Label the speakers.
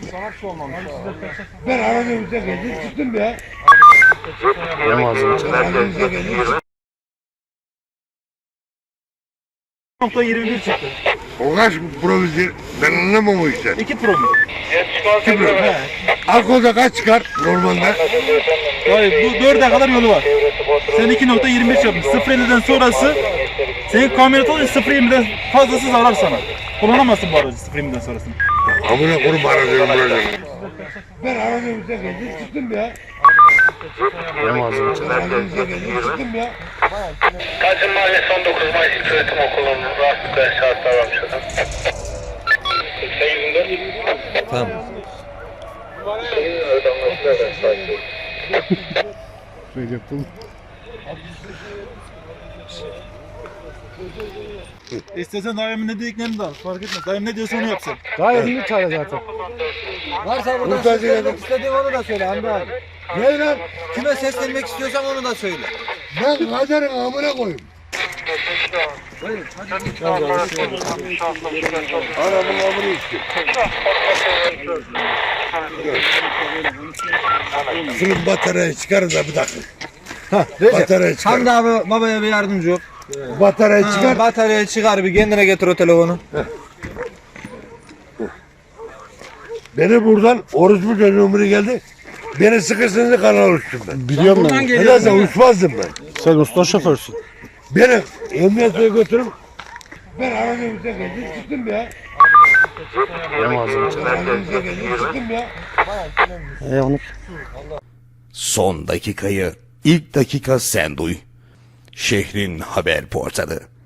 Speaker 1: Ben aradığımıza geldim çıktım ya. Aradığımıza geldim.
Speaker 2: 21 çıktı.
Speaker 1: O kaç provizyon? Ben anlamam o işten.
Speaker 2: 2 promil.
Speaker 1: Kim bilir? Alkolda kaç çıkar normalde?
Speaker 2: Hayır, bu 4'e kadar yolu var. Sen 2.25 yapmışsın. 0.50'den sonrası senin kamyonet olunca 0.20'den fazlası zarar sana. Kullanamazsın bu aracı 0.20'den sonrasını.
Speaker 1: Amına kurum aradığım buraya. Ben aradığımıza geldim çıktım ya. Aradığımıza geldim çıktım ya.
Speaker 3: Tacım Mahallesi 19 Mayıs İlköğretim Okulu'nun rahatsızlıkla şahıslar varmış adam. 84.
Speaker 4: Tamam.
Speaker 2: İstersen daimin ne dediklerini de al. Fark etmez. Daim ne diyorsa onu yapsın.
Speaker 5: Gayet iyi çare zaten. Varsa buradan
Speaker 1: Kurtarıcı
Speaker 5: seslenmek istediğin onu da söyle Hamdi abi.
Speaker 1: Ne lan?
Speaker 5: Kime seslenmek istiyorsan onu da söyle.
Speaker 1: Ben kaderin amına koyayım. Anamın amını içtim. Şunun bataryayı çıkarın da bir dakika. Bataryayı çıkar.
Speaker 5: Hamdi abi babaya bir yardımcı ol.
Speaker 1: Bataryayı çıkar.
Speaker 5: Bataryayı çıkar bir kendine getir o telefonu.
Speaker 1: Beni buradan orospu çocuğum geldi. Beni sıkırsınız kanal uçtum ben.
Speaker 6: Biliyorum ben.
Speaker 1: Nedense uçmazdım ben.
Speaker 6: Sen usta şoförsün.
Speaker 1: Beni emniyete götürüp ben aradığımıza geldim çıktım ya. Aradığımıza geldim çıktım ya.
Speaker 6: Onu
Speaker 7: Son dakikayı ilk dakika sen duy. Şehrin haber portalı.